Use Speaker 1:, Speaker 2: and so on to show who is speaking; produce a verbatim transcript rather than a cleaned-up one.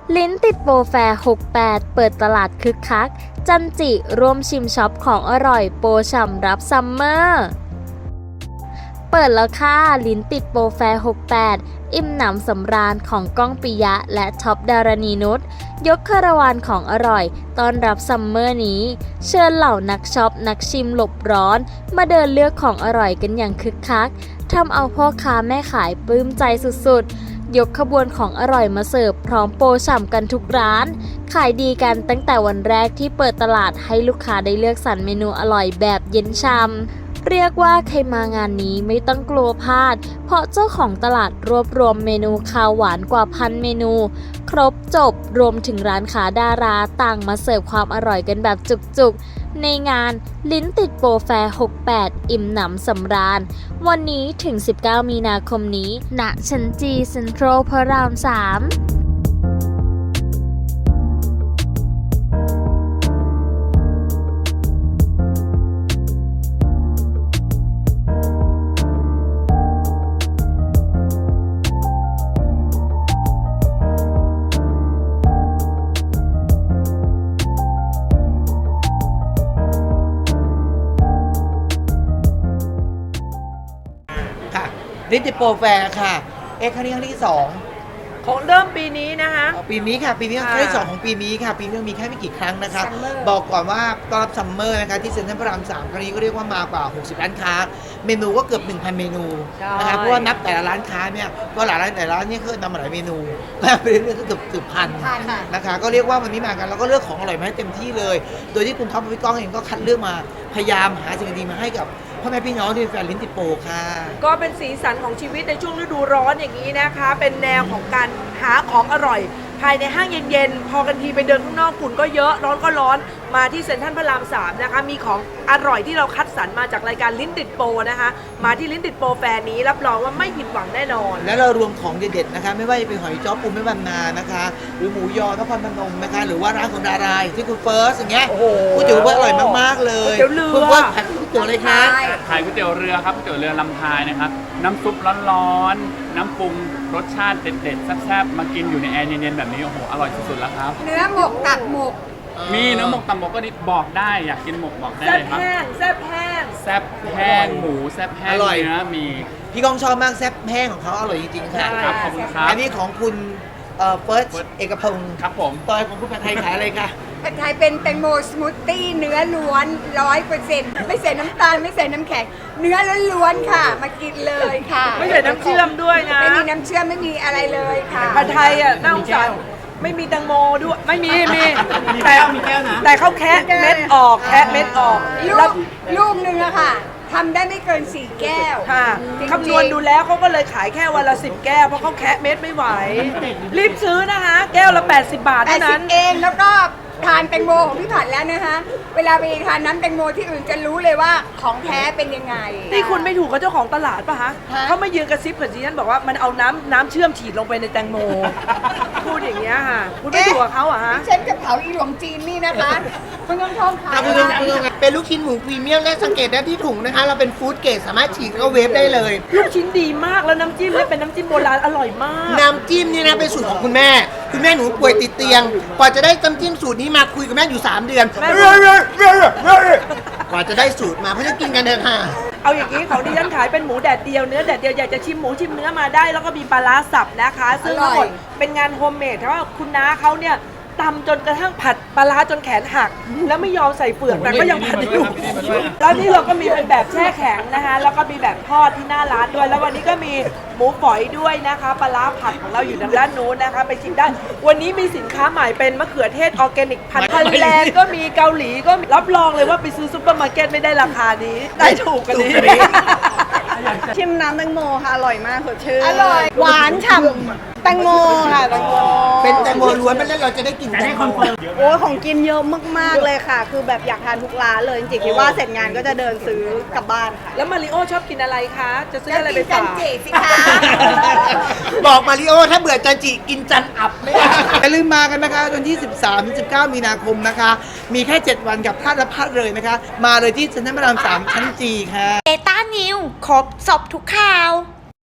Speaker 1: ลิ้นติดโปรแฟร์หกสิบแปดเปิดตลาดคึกคักจันจิร่วมชิมช็อปของอร่อยโปรฉ่ำรับซัมเมอร์เปิดแล้วค่ะลิ้นติดโปรแฟร์หกสิบแปดอิ่มหนำสำราญของก้องปิยะและท็อปดารณีนุชยกคาราวานของอร่อยต้อนรับซัมเมอร์นี้เชิญเหล่านักช็อปนักชิมหลบร้อนมาเดินเลือกของอร่อยกันอย่างคึกคักทำเอาพ่อค้าแม่ขายปลื้มใจสุดๆยกขบวนของอร่อยมาเสิร์ฟพร้อมโปรฉ่ำกันทุกร้านขายดีกันตั้งแต่วันแรกที่เปิดตลาดให้ลูกค้าได้เลือกสรรเมนูอร่อยแบบเย็นช่ำเรียกว่าใครมางานนี้ไม่ต้องกลัวพลาดเพราะเจ้าของตลาดรวบรวมเมนูคาวหวานกว่าพันเมนูครบจบรวมถึงร้านค้าดาราต่างมาเสิร์ฟความอร่อยกันแบบจุกๆในงานลิ้นติดโปรแฟร์หกสิบแปดอิ่มหนำสำราญวันนี้ถึงสิบเก้ามีนาคมนี้ณชั้นจีเซ็นทรัลพระรามสาม
Speaker 2: ลิ้นติดโปรแฟร์ค่ะเอ็กซ์ครั้งนี้ครั้งที่สอง
Speaker 3: ของเริ่มปีนี้นะคะ
Speaker 2: ปีนี้ค่ะปีนี้ครั้งที่สองของปีนี้ค่ะปีนี้มีแค่ไม่กี่ครั้งนะคะบอกก่อนว่าต้อนรับซัมเมอร์นะคะที่เซ็นทรัลพระรามสามครั้งนี้ก็เรียกว่ามากว่าหกสิบร้านค้าเมนูก็เกือบ หนึ่งพัน เมนูนะคะเพราะว่านับแต่ละร้านค้าเนี่ยก็หลายร้านแต่ละร้านเนี่ยคือนำมาหลายเมนูแล้วไปเรื่อยๆก็เกือบเกือบพันนะคะก็เรียกว่าวันนี้มากันแล้วก็เลือกของอร่อยมาให้เต็มที่เลยโดยที่คุณท็อปพี่ก้องเองก็คัดเลือกมาพยายามหาสิ่งดีมาให้กับพ่อแม่พี่น้องที่เป็นแฟนลิ้นติดโปรค่ะ
Speaker 3: ก็เป็นสีสันของชีวิตในช่วงฤดูร้อนอย่างนี้นะคะเป็นแนวของการหาของอร่อยภายในห้างเย็นๆพอกันทีไปเดินข้างนอกฝุ่นก็เยอะร้อนก็ร้อนมาที่เซ็นทรัลพระรามสามนะคะมีของอร่อยที่เราคัดสรรมาจากรายการลิ้นติดโปรนะคะมาที่ลิ้นติดโปรแฟร์นี้รับรองว่าไม่ผิดหวังแน่นอน
Speaker 2: และเรารวมของเด็ดๆนะคะไม่ว่าจะเป็นหอยจ้อปูแม่บรรณานะคะหรือหมูยอนครพนมนะคะหรือว่าร้านของดาราที่คุณเฟิร์สอย่างเงี้ยก๋วยเตี๋ยวเฟิร์สอร่อยมากๆเลย
Speaker 3: ก๋วยเตี๋ยวเรือ
Speaker 2: คุณเฟิร์สขายก๋วยเตี๋ยวอะไรคะ
Speaker 4: ขายก๋วยเตี๋ยวเรือครับก๋วยเตี๋ยวเรือลำพายนะครับน้ำซุปร้อนๆน้ำปรุงรสชาติเด็ดๆแซ่บๆมากินอยู่ในแอร์เย็นๆแบบนี้โอ้โหอร่อยสุดๆแล้วครับ
Speaker 5: เนื้อหมกตัดหมก
Speaker 4: มีเนื้อหมกตับหมกก็นิดบอกได้อยากกินหมกบอกได้เลยครับ
Speaker 3: แซ่บแห้งแซ่บแห้ง
Speaker 4: แซ่บแห้งหมูแซ่บแห้งเนื้อมี
Speaker 2: พี่ก้องชอบมากแซ่บแห้งของเขาอร่อยจริงๆค่ะ
Speaker 4: ครับขอบคุณครับ
Speaker 2: อันนี้ของคุณเอ่อเฟิร์สเอกพงศ์
Speaker 4: ครับผม
Speaker 2: ตอยของคุณผัดไทยขายอะไรคะ
Speaker 5: ผัดไทยเป็นแตงโมสมูทตี้เนื้อล้วนร้อยเปอร์เซ็นต์ไม่ใส่น้ำตาลไม่ใส่น้ำแข็งเนื้อล้วนๆค่ะมากินเลยค่ะ
Speaker 3: ไม่ใส่น้ำเชื่อมด้วยนะ
Speaker 5: ไม่มีน้ำเชื่อมไม่มีอะไรเลยค่ะ
Speaker 3: ผัดไทยอ่ะน่าสงสารไม่มีแตงโมด้วยไม่มีมีแต่แต่เขาแคะเม็ดออกแคะเม็ดออก
Speaker 5: ลูกลูกนึงอะค่ะทำได้ไม่เกินสี่แก้ว
Speaker 3: ค่ะคำนวณดูแล้วเขาก็เลยขายแค่วันละสิบแก้วเพราะเขาแคะเม็ดไม่ไหวรีบซื้อนะคะแก้วละแปดสิบบาทเท่านั้น
Speaker 5: เองแล้วก็ทานแตงโมของพี่ผัดแล้วนะคะเวลาไปทานน้ำแตงโมที่อื่นจะรู้เลยว่าของแท้เป็นยังไง
Speaker 3: นี่คุณไม่ถูกกับเจ้าของตลาดป่ะฮะเขาไม่ยืนกระซิบกับดิฉันบอกว่ามันเอาน้ำน้ำเชื่อมฉีดลงไปในแตงโมพูดอย่างเงี้ยค่ะคุณไม่ถูกกับเขาอะฮะ
Speaker 5: ดิฉันกับเผาอีหลวงจีนนี่นะคะคุณต้องท่องขาย
Speaker 2: เป็นลูกชิ้นหมูพรีเมียมและสังเกตได้ที่ถุงนะคะเราเป็นฟู้ดเกรดสามารถฉีกแล้วก็เวฟได้เลย
Speaker 3: ลูกชิ้นดีมากแล้วน้ำจิ้มเนี่ยเป็นน้ำจิ้มโบราณอร่อยมาก
Speaker 2: น้ำจิ้มนี่นะเป็นสูตรของคุณแม่คุณแม่หนูป่วยติดเตียงกว่าจะได้น้ำจิ้มสูตรนี้มาคุยกับแม่อยู่สามเดือนกว่าจะได้สูตรมาเพราะจะกินกันเถอะค่ะ
Speaker 3: เอาอย่างนี้ของดิฉันขายเป็นหมูแดดเดียวเนื้อแดดเดียวอยากจะชิมหมูชิมเนื้อมาได้แล้วก็มีปลาร้าสับนะคะซึ่งทั้งหมดเป็นงานโฮมเมดเพราะว่าคุณน้าเขาเนี่ยตำจนกระทั่งผัดปลาร้าจนแขนหักแล้วไม่ยอมใส่เปลือกแต่ก็ยังผัดอยู่แล้วนี่เราก็มีเป็นแบบแช่แข็งนะคะแล้วก็มีแบบทอดที่หน้าร้านด้วยแล้ววันนี้ก็มีหมูฝอยด้วยนะคะปลาร้าผัดของเราอยู่ทางด้านนู้นนะคะไปชิมได้วันนี้มีสินค้าใหม่เป็นมะเขือเทศออร์แกนิกพันธุ์ฮอลแลนด์ก็มีเกาหลีก็รับรองเลยว่าไปซื้อซุปเปอร์มาร์เก็ตไม่ได้ราคานี้ได้ถูกกันนี้
Speaker 5: ชิมน้ำแตงโมค่ะอร่อยมากสดชื่นอร่อยหวานฉ่ำแตงโมค่ะแตงโม
Speaker 2: เป็นแตงโมล้วนไม่เล่นเราจะได้กินแตงโม
Speaker 5: โอ้ของกินเยอะมากๆเลยค่ะคือแบบอยากทานทุกร้านเลยจริงๆคิดว่าเสร็จงานก็จะเดินซื้อกลับบ้านค่ะ
Speaker 3: แล้วมาริโอชอบกินอะไรคะจะซื้ออะไรไปฝาก
Speaker 5: จันจิสิคะ
Speaker 2: บอกมาริโอถ้าเบื่อจันจิกินจันอับไม่ได้อย่าลืมมากันนะคะวันที่สิบสามถึงสิบเก้ามีนาคมนะคะมีแค่เจ็ดวันกับพลาดและพลาดเลยนะคะมาเลยที่เซ็นทรัลพระรามสามชั้นจีค่ะ
Speaker 1: เอต้านิวครบสอบทุกข่าว